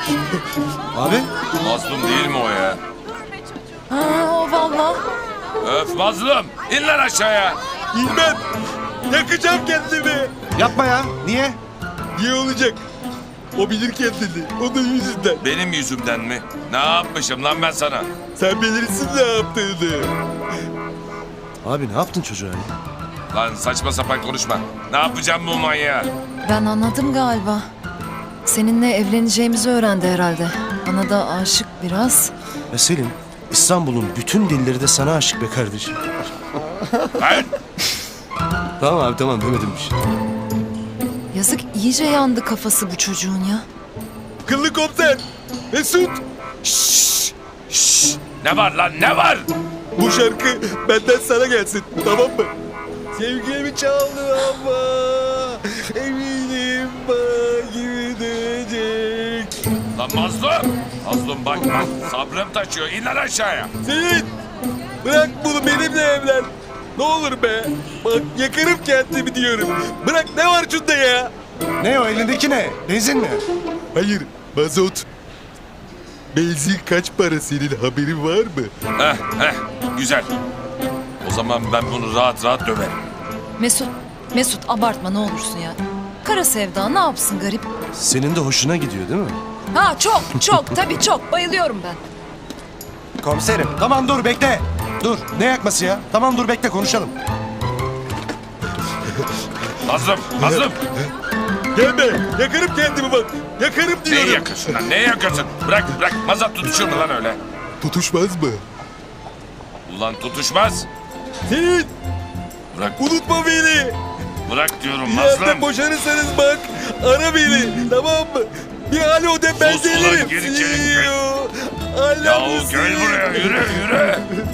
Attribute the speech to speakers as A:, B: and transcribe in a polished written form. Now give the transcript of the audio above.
A: Abi?
B: Mazlum değil mi o ya?
C: Ha, o valla.
B: Öf Mazlum. İn lan aşağıya.
D: İlmem. Yakacağım kendimi.
A: Yapma ya. Niye?
D: Niye olacak? O bilir kendini. Onun yüzünden.
B: Benim yüzümden mi? Ne yapmışım lan ben sana?
D: Sen bilirsin ne yaptığını.
A: Abi ne yaptın çocuğa ya?
B: Lan saçma sapan konuşma. Ne yapacağım bu manyağı?
C: Ben anladım galiba. Seninle evleneceğimizi öğrendi herhalde. Bana da aşık biraz.
A: Ya Selim, İstanbul'un bütün dilleri de sana aşık be kardeşim.
B: Ben
A: Tamam abi tamam demedim bir şey.
C: Yazık, iyice yandı kafası bu çocuğun ya.
D: Kıllı komiser. Mesut.
B: ne var lan ne var?
D: Bu şarkı benden sana gelsin. Tamam mı? Sevgilimi çaldı ama eminim bana gibi dönecek.
B: Lan Mazlum. Mazlum bak lan sabrım taşıyor. İn lan aşağıya.
D: Senin bırak bunu benimle evlen. Ne olur be. Bak yakarım kendimi diyorum. Bırak ne var şunda ya?
A: Ne o elindeki ne? Benzin mi?
D: Hayır mazot. Benzin kaç para senin haberin var mı?
B: Heh güzel. O zaman ben bunu rahat rahat döverim.
C: Mesut abartma ne olursun ya. Kara sevda ne yapsın garip?
A: Senin de hoşuna gidiyor değil mi?
C: Ha çok tabii çok bayılıyorum ben.
A: Komiserim. Tamam dur bekle. Dur. Ne yakması ya? Tamam dur bekle konuşalım.
B: Mazlum.
D: Gelme. Yakarım kendimi bak. Yakarım
B: Neyi
D: diyorum.
B: yakıyorsun lan? Neyi yakıyorsun? Bırak. Mazat tutuşur mu lan öyle?
D: Tutuşmaz mı?
B: Ulan tutuşmaz.
D: Senin
B: Bırak.
D: unutma beni.
B: Bırak diyorum
D: Yarın
B: Mazlum.
D: boşanırsanız bak. Ara beni. Tamam mı? Bir alo de ben
B: Sus ulan,
D: gelirim.
B: geri çevir.
D: See you. I love
B: Yahu
D: you,
B: gel
D: see you.
B: buraya yürü.